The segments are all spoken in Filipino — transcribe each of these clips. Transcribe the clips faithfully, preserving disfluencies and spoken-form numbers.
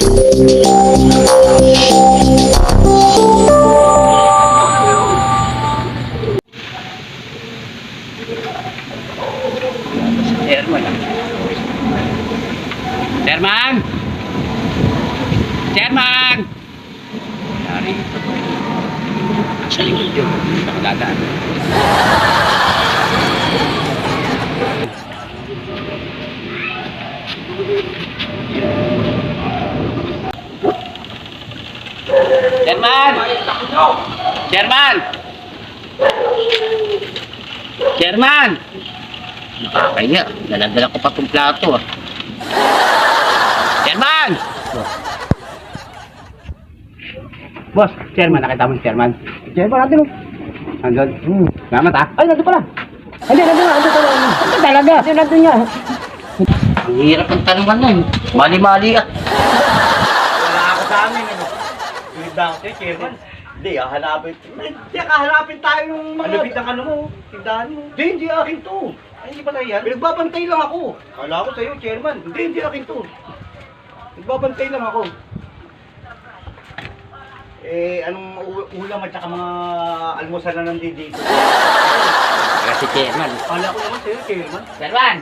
Chairman. Chairman! Chairman! Dari. Sa likod yun. Nakadadaan. Chairman! Chairman! Chairman! Nakakaya. Daladala ko pa itong plato ah. Chairman! Boss, chairman, nakita mo si chairman? Chairman natin oh. Andun. Hmm. Salamat ah. Ay, nandun pala. Hindi, nandun nga, nandun pala. Nandun talaga. Nandun, nandun niya. Ang hirap ng tanungan na yun. Mali-mali ah. Wala ako sa amin, ano? Tulid na ako sa'yo, chairman. Hindi, ah, hanapin. Hindi, kahanapin tayo ng mga... Alapit ang ano mo, tindahan mo. Hindi, hindi akin to. Ay, hindi ba tayo yan? Pinagbabantay lang ako. Kala ko sa'yo, chairman. Hindi, hindi akin to. Nagbabantay lang ako. Eh, anong u- ulam at saka mga almusal na nandito dito? Kasi chairman. Kala ko naman sa'yo, chairman. Chairman!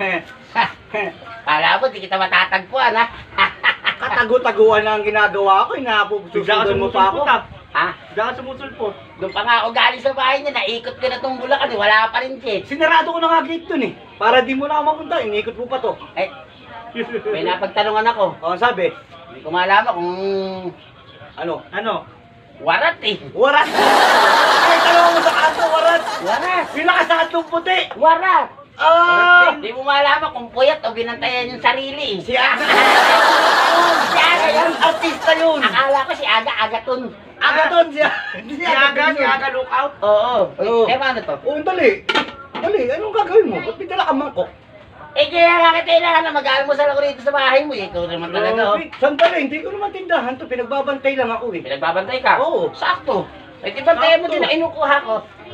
Kala mo, di kita matatagpuan ha? Katago-taguan na ang ginagawa ko, inapususudan mo pa ako. Ha? Diyan ka sumusulpot. Doon pa nga ako galing sa bahay niya, naikot ko na itong Bulacan eh, wala pa rin siya. Sinarado ko na nga gate dun eh. Para di mo na ako mapunta, inikot mo pa to. Eh, may napagtanungan ako. O, sabi? Hindi ko malaman kung Ano? Ano? warat eh. Warat! Ay, tanong mo sa kanto, warat! Warat! Yung nakasatlong puti! Warat! Ah! Hindi mo malaman kung puyat o binantayan yung sarili eh. Si Aga! Si Aga yun! Artista yun! Akala ko si Aga Agaton. Agaton siya! Si Aga, si Aga lookout! Oo. Oo. Eh, paano to? Oo, dali! Dali, anong gagawin mo? Ba't may dala ka mangkok? Eh, kaya nga kita kailangan na mag-almusal ako rito sa bahay mo eh. Ikaw naman talaga oh. Grabe. Sandali, hindi ko naman tindahan to. Pinagbabantay lang ako eh. Pinagbabantay ka? Oo. Sakto. Eh, di bantayan mo Sakto. din na inukuha ko.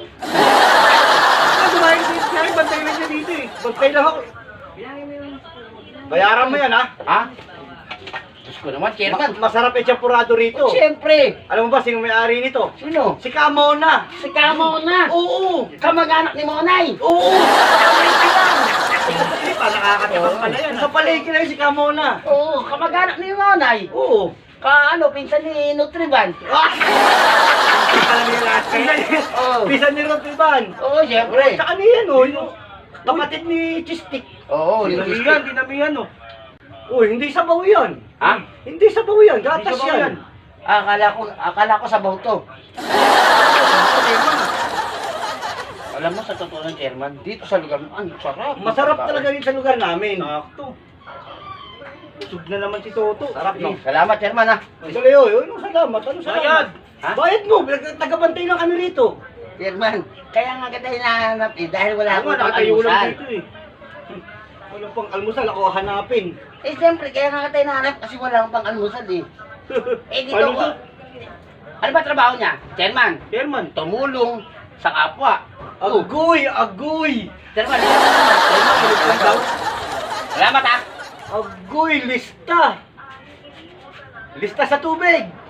Ah, dumahin dito siya, bantay lang siya dito eh. Bantay lang ako. Bayaran mo yan ha. Ha? Diyos ko naman, chairman. Ma- masarap yung champurado rito. Siyempre. Alam mo ba sino may-ari nito? Sino? Si Camona. Si Kamona. Oo. Kamag-anak ni Monay. Oo. Pa, nakakatipas pala yan. Sa palengke na yun si Camona. Oo, kamag-anak ni Monay. Oo. Ka ano, pinsan ni Nutriban. Ah! Alam niyo lahat kayo. Oo. Bisan ni Rotiban. Oo, siyempre. Tsaka niyan oh, yung kapatid ni Chistik. Oo, Dinamihan, dinamihan oh. Uy, hindi sabaw yan. Ha? Hindi sabaw yan, gatas Hindi sabaw yan. yan. Akala ko, akala ko sabaw to. Alam mo, sa totoo ng chairman, dito sa lugar mo, ang sarap. Masarap talaga rin sa lugar namin. Sakto. Sug na naman si Toto. Sarap no. Salamat, chairman ha. Dali oy, oy, anong salamat? Anong salamat? Bayad. Ha? Bayad mo, tagabantay lang kami rito. Chairman, kaya nga kita hinahanap eh, dahil wala Ako akong nga, nakatayo lang pang-almusal. dito eh. Wala pang almusal, ako hanapin. Eh, siyempre, kaya nga kita hinahanap kasi wala akong pang-almusal eh. Eh, dito Ano ko. to? Ano ba trabaho niya? Chairman, Chairman. tumulong sa kapwa. Oh, Agoy, agoy. chairman, chairman, tumulong daw. Salamat ha. Agoy, lista. Lista sa tubig.